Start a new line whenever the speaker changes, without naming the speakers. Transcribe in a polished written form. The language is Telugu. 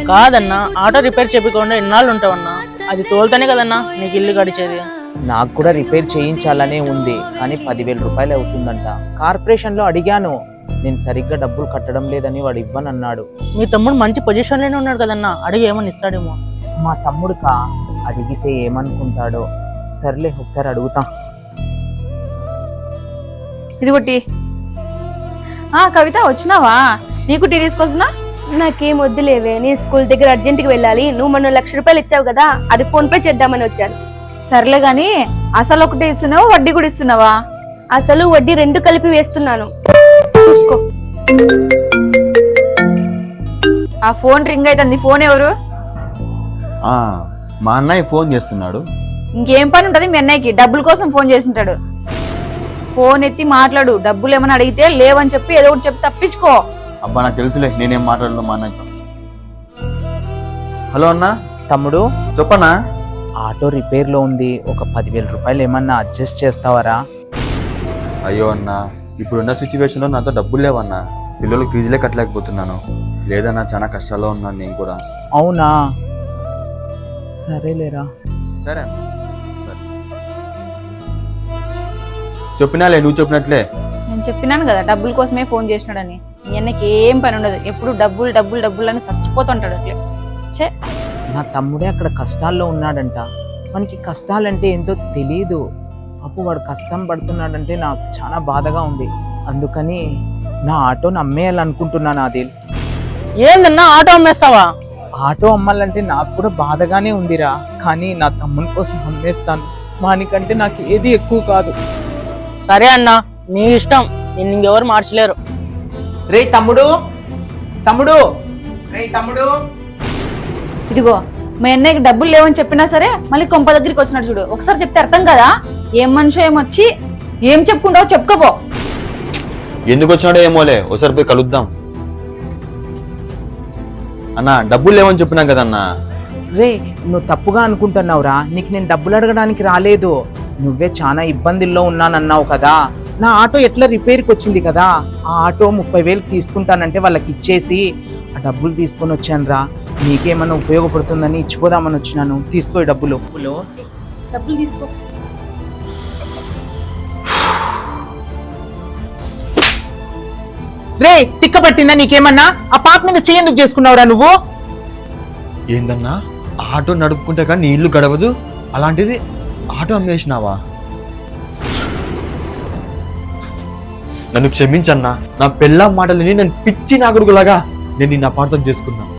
కాదన్నా, ఆటో రిపేర్ చెప్పకుండా ఎన్నాళ్ళు ఉంటావన్నా? అది తోలుతానే కదన్నా నీకు ఇల్లు గడిచేది.
నాకు కూడా రిపేర్ చేయించాలనే ఉంది, కానీ 10,000 రూపాయలు అవుతుందంట. కార్పొరేషన్లో అడిగాను, నేను సరిగ్గా డబ్బులు కట్టడం లేదని వాడు ఇవ్వనన్నాడు.
మీ తమ్ముడు మంచి పొజిషన్లోనే ఉన్నాడు కదన్నా, అడిగి ఏమని ఇస్తాడేమో.
మా తమ్ముడుకా అడిగితే ఏమనుకుంటాడో. సర్లే, ఒకసారి అడుగుతా.
ఇదిగో టీ. కవిత వచ్చినావా? నీకు టీ తీసుకొచ్చినా?
నాకేం వద్దులేవే, నేను స్కూల్ దగ్గర అర్జెంట్కి వెళ్ళాలి. నువ్వు మొన్న 1,00,000 రూపాయలు ఇచ్చావు కదా, అది ఫోన్ పే చేద్దామని వచ్చాను.
సర్లే గాని అసలు ఒకటే ఇస్తున్నావా, వడ్డీ కూడా ఇస్తున్నావా?
అసలు వడ్డీ 2 కలిపి వేస్తున్నాను, చూసుకో.
ఆ ఫోన్ రింగ్ అవుతుంది. ఫోన్ ఎవరు?
మా అన్నయ్య ఫోన్ చేస్తున్నాడు.
ఇంకేం పని ఉంటది మీ అన్నయ్యకి? డబ్బుల కోసం ఫోన్ చేసింటాడు. ఫోన్ ఎత్తి మాట్లాడు. డబ్బులు ఏమైనా అడిగితే లేవని చెప్పి ఏదో ఒకటి చెప్పి తప్పించుకో.
అబ్బా నాకు తెలుసులే, నేనేం మాట్లాడను మా అన్నయ్యతో. హలో అన్న.
తమ్ముడు
చెప్పన్నా.
ఆటో రిపేర్లో ఉంది, ఒక 10,000 రూపాయలు ఏమన్నా అడ్జస్ట్ చేస్తావరా?
అయ్యో అన్న, ఇప్పుడున్న సిచ్యువేషన్లో నాతో డబ్బులు లేవన్నా. పిల్లలకు ఫీజులే కట్టలేకపోతున్నాను. లేదన్నా, చాలా కష్టాల్లో ఉన్నాను నేను కూడా.
అవునా, సరేలేరా.
సరే అన్న, సరే. చెప్పినాలే, నువ్వు చెప్పినట్లే.
నేను చెప్పినాను కదా డబ్బుల కోసమే ఫోన్ చేసినాడని. మీ అన్నకి ఏం పని ఉండదు, ఎప్పుడు డబ్బులు డబ్బులు డబ్బులు అని చచ్చిపోతుంటాడు అట్లే. చే,
నా తమ్ముడే అక్కడ కష్టాల్లో ఉన్నాడంట. మనకి కష్టాలంటే ఏంటో తెలీదు. అప్పుడు వాడు కష్టం పడుతున్నాడంటే నాకు చాలా బాధగా ఉంది. అందుకని నా ఆటోని అమ్మేయాలనుకుంటున్నాను. ఆదిల్,
ఏందన్నా ఆటో అమ్మేస్తావా?
ఆటో అమ్మాలంటే నాకు కూడా బాధగానే ఉందిరా, కానీ నా తమ్ముని కోసం అమ్మేస్తాను. వానికంటే నాకు ఏది ఎక్కువ కాదు.
సరే అన్నా, నీ ఇష్టం, నిన్ను ఇంకెవరు మార్చలేరు.
రే తమ్ముడు, తమ్ముడు, రే తమ్ముడు.
ఇదిగో మీ అన్నయ్యకి డబ్బులు లేవని చెప్పినా సరే మళ్ళీ కొంప దగ్గరికి వచ్చినాడు చూడు. ఒకసారి చెప్తే అర్థం కదా? ఏం మనిషో ఏమొచ్చి ఏం చెప్పుకుంటావో చెప్పుకోపో.
ఎందుకు వచ్చినాడో ఏమోలే, ఒకసారి పోయి కలుద్దాం. అన్న డబ్బులు లేవని చెప్పినాం కదన్నా.
రే, నువ్వు తప్పుగా అనుకుంటున్నావురా. నీకు నేను డబ్బులు అడగడానికి రాలేదు. నువ్వే చాలా ఇబ్బందుల్లో ఉన్నానన్నావు కదా. నా ఆటో ఎట్లా రిపేర్కి వచ్చింది కదా, ఆ ఆటో 30,000 తీసుకుంటానంటే వాళ్ళకి ఇచ్చేసి ఆ డబ్బులు తీసుకొని వచ్చాను రా. నీకేమన్నా ఉపయోగపడుతుందని ఇచ్చిపోదామని వచ్చినాను. తీసుకో డబ్బులు.
డబ్బులు తీసుకో.
రే, తిక్క పట్టిందా నీకేమన్నా? ఆ పాప మీద చేయందుకు చేసుకున్నావురా నువ్వు?
ఏందన్నా, ఆటో నడుపుకుంటే కానీ నీ ఇల్లు గడవదు, అలాంటిది ఆటో అమ్మేసినావా? నన్ను క్షమించన్నా. నా పెళ్ళాం మాటలని నేను పిచ్చి నాగుడుగులాగా నేను నిన్ను అపార్థం చేసుకున్నా.